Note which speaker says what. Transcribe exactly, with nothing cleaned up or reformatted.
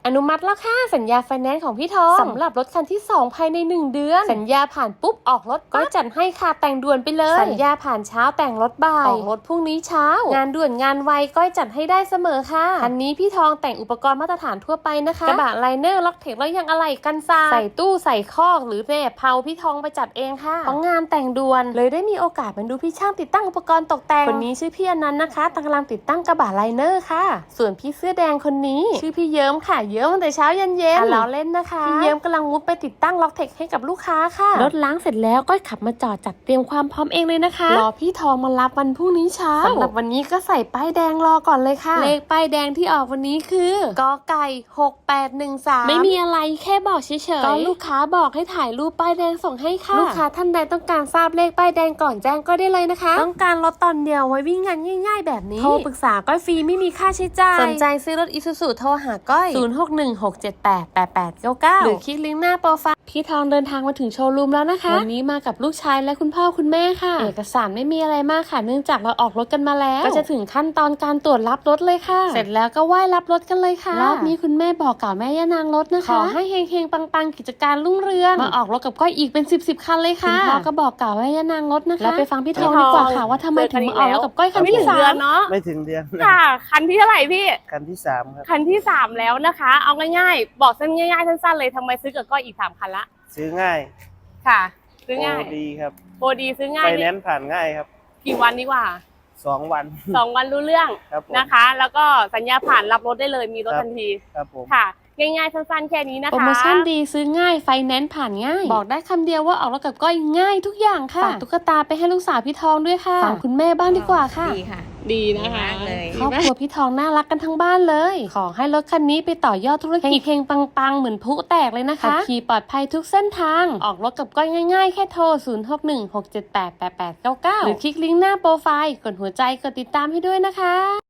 Speaker 1: อนุมัติแล้วค่ะสัญญาไฟแนนซ์ของพี่ทองสำหรับรถคันที่สองภายในหนึ่งเดือนสัญญาผ่านปุ๊บออกรถก็จัดให้ค่ะแต่งด่วนไปเลยสัญญาผ่านเช้าแต่งรถบ่ายออกรถพรุ่งนี้เช้างานด่วนงานไวก็จัดให้ได้เสมอค่ะคันนี้พี่ทองแต่งอุปกรณ์มาตรฐานทั่วไปนะคะกระบะไลเนอร์ล็อกเทคแล้วยังอะไหล่กันทรายใส่ตู้ใส่คอกหรือแม่เผาพี่ทองไปจัดเองค่ะเพราะงานแต่งด่วนเลยได้มีโอกาสมาดูพี่ช่างติดตั้งอุปกรณ์ตกแต่งคนนี้ชื่อพี่อนันต์นะคะกำลังติดตั้งกระบะไลเนอร์ค่ะส่วนพี่เสื้อแดงคนนี้ชื่อพี่เยิ้มค่ะเยิ้มตั้งแต่เช้าเย็นเย็นล้อเล่นนะคะพี่เยิ้มกำลังมุดไปติดตั้งล็อกเทคให้กับลูกค้าค่ะรถล้างเสร็จแล้วก็ขับมาจอดจัดเตรียมความพร้อมเองเลยนะคะรอพี่ทองมารับวันพรุ่งนี้เช้าสำหรับวันนี้ก็ใส่ป้ายแดงรอก่อนเลยค่ะเลขป้ายแดงที่ออกวันนี้คือกอไก่หกแปดหนึ่งสามไม่มีอะไรแค่บอกเฉยๆก็ลูกค้าบอกให้ถ่ายรูปป้ายแดงส่งให้ค่ะลูกค้าท่านใดต้องการทราบเลขป้ายแดงก่อนแจ้งก็ได้เลยนะคะต้องการรถตอนเดียวไว้วิ่งงานง่ายๆแบบนี้โทรปรึกษาก้อยฟรีไม่มีค่าใช้จ่ายสนใจซื้อรถอิซูซุโทรหาก้อยศูนย์ หก หนึ่ง หก เจ็ด แปด แปด แปด เก้า เก้าหรือคลิกลิงก์หน้าโปรไฟล์พี่ทองเดินทางมาถึงโชว์รูมแล้วนะคะวันนี้มากับลูกชายและคุณพ่อคุณแม่ค่ะเอกสารไม่มีอะไรมากค่ะเนื่องจากเราออกรถกันมาแล้วก็จะถึงขั้นตอนการตรวจรับรถเลยค่ะเสร็จแล้วก็ไหว้รับรถกันเลยค่ะรอบนี้คุณแม่บอกกล่าวแม่ย่านางรถนะคะขอให้เฮงๆปังๆกิจการรุ่งเรืองมาออกรถกับก้อยอีกเป็นสิบสิบคันเลยค่ะคุณพ่อก็บอกกล่าวแม่ย่านางรถนะคะแล้วไปฟังพี่ทองดีกว่าค่ะว่าทำไมถึงมาออกรถกับก้อยคันที่สาม
Speaker 2: เนาะ
Speaker 3: ไม่ถึงเดือน
Speaker 2: ค่ะคันที่เท่าไหร่พี่
Speaker 3: คันที่สามครับ
Speaker 2: คันที่สามแล้วนะคะเอาง่ายๆบอกสั้นง่ายๆสั้นๆเลยทำไมซื้อกับก้อยอีกสามคันละ
Speaker 3: ซื้อง่าย
Speaker 2: ค่ะซื้อง่าย
Speaker 3: โปรดีครับ
Speaker 2: โปรดีซื้อง่าย
Speaker 3: ไฟแนนซ์ผ่านง่ายครับ
Speaker 2: กี่วันดีกว่า
Speaker 3: สองวัน
Speaker 2: สองวันรู้เรื่องนะคะ แล้วก็สัญญาผ่านรับรถได้เลยมีรถทันที
Speaker 3: ครับผม
Speaker 2: ค่ะง่ายๆสั้นๆแค่นี้นะคะ
Speaker 1: โปรโมชั่นดีซื้อง่ายไฟแนนซ์ผ่านง่ายบอกได้คำเดียวว่าออกรถกับก้อยง่ายทุกอย่างค่ะฝากตุ๊กตาไปให้ลูกสาวพี่ทองด้วยค่ะฝากคุณแม่บ้างดีกว่าค่ะ
Speaker 2: ดีค่ะดีนะคะเลย
Speaker 1: ครอบครัวพี่ทองน่ารักกันทั้งบ้านเลยขอให้รถคันนี้ไปต่อยอดธุรกิจเฮงๆปังๆเหมือนพลุแตกเลยนะคะขับขี่ปลอดภัยทุกเส้นทางออกรถกับก้อยง่ายๆแค่โทรศูนย์ หก หนึ่ง หก เจ็ด แปด แปด แปด เก้า เก้าหรือคลิกลิงก์หน้าโปรไฟล์กดหัวใจกดติดตามให้ด้วยนะคะ